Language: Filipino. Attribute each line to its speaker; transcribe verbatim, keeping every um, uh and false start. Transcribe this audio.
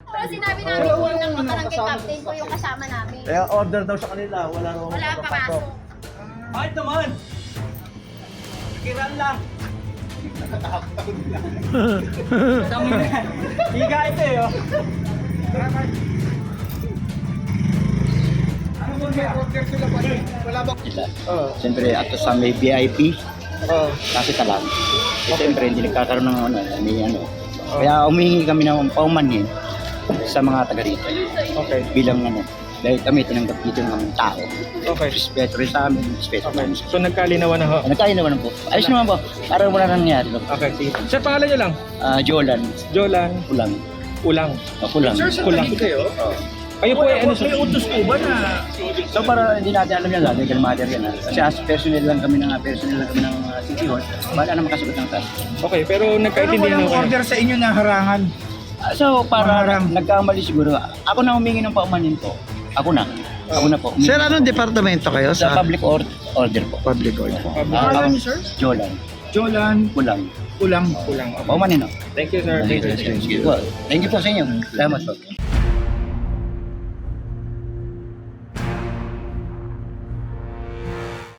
Speaker 1: Pero sinabi namin po ng barangay captain ko yung kasama namin.
Speaker 2: Kaya order daw sa kanila, wala raw
Speaker 1: Wala pa
Speaker 2: papasok.
Speaker 1: pasok.
Speaker 3: Bakit naman? Kiran lang. Dami na. Higa ito eh, oh. Ano mo may order sila pa rin? Wala ba?
Speaker 4: Sila.
Speaker 2: Oh.
Speaker 4: Siyempre, ato sa may V I P,
Speaker 2: Oh.
Speaker 4: kasi talag. Eh, siyempre, hindi nagkakaroon ng ano, may ano. Kaya umihingi kami ng paumanhin sa mga taga rito.
Speaker 2: Okay.
Speaker 4: Bilang ano, dahil kami tinanggap dito ng tao.
Speaker 2: Okay.
Speaker 4: Respeto rin sa amin, respeto
Speaker 2: Okay.
Speaker 4: namin.
Speaker 2: So nagkalinawan na ho.
Speaker 4: Nagkain naman po. Ayos naman po. Parang wala nang nangyari. No?
Speaker 2: Okay, sige. Sir, pangalan niyo lang?
Speaker 4: Ah, Jolan,
Speaker 2: Jolan
Speaker 4: kulang.
Speaker 2: Ulang.
Speaker 4: Oh, kulang.
Speaker 2: Kulang. Kayo po ay ano sir?
Speaker 3: May utos po ba na?
Speaker 4: So para hindi natin alam yan lang, legal matter yan. Ha? Kasi as personnel lang kami ng personnel lang kami ng uh, City Hall, wala na makasagot ng task.
Speaker 2: Okay, pero
Speaker 3: Pero
Speaker 2: nagkaintindihan
Speaker 3: walang
Speaker 2: ho kayo.
Speaker 3: order sa inyo na harangan.
Speaker 4: Ah, so para
Speaker 3: Maharang.
Speaker 4: nagkamali siguro, ako na humingi ng paumanhin po. Ako na. Ako na po.
Speaker 5: Sir, anong departamento kayo
Speaker 4: Sa
Speaker 5: sa
Speaker 4: public or- order po.
Speaker 5: public order?
Speaker 4: Ah,
Speaker 3: Pangalan niyo, sir?
Speaker 4: Jolan.
Speaker 3: Jolan
Speaker 4: Kulang.
Speaker 3: Ulang.
Speaker 2: Kulang.
Speaker 4: Paumanhin no?
Speaker 2: Thank you sir. Thank you.
Speaker 4: Sige po. Thank you po sa inyo. Salamat po.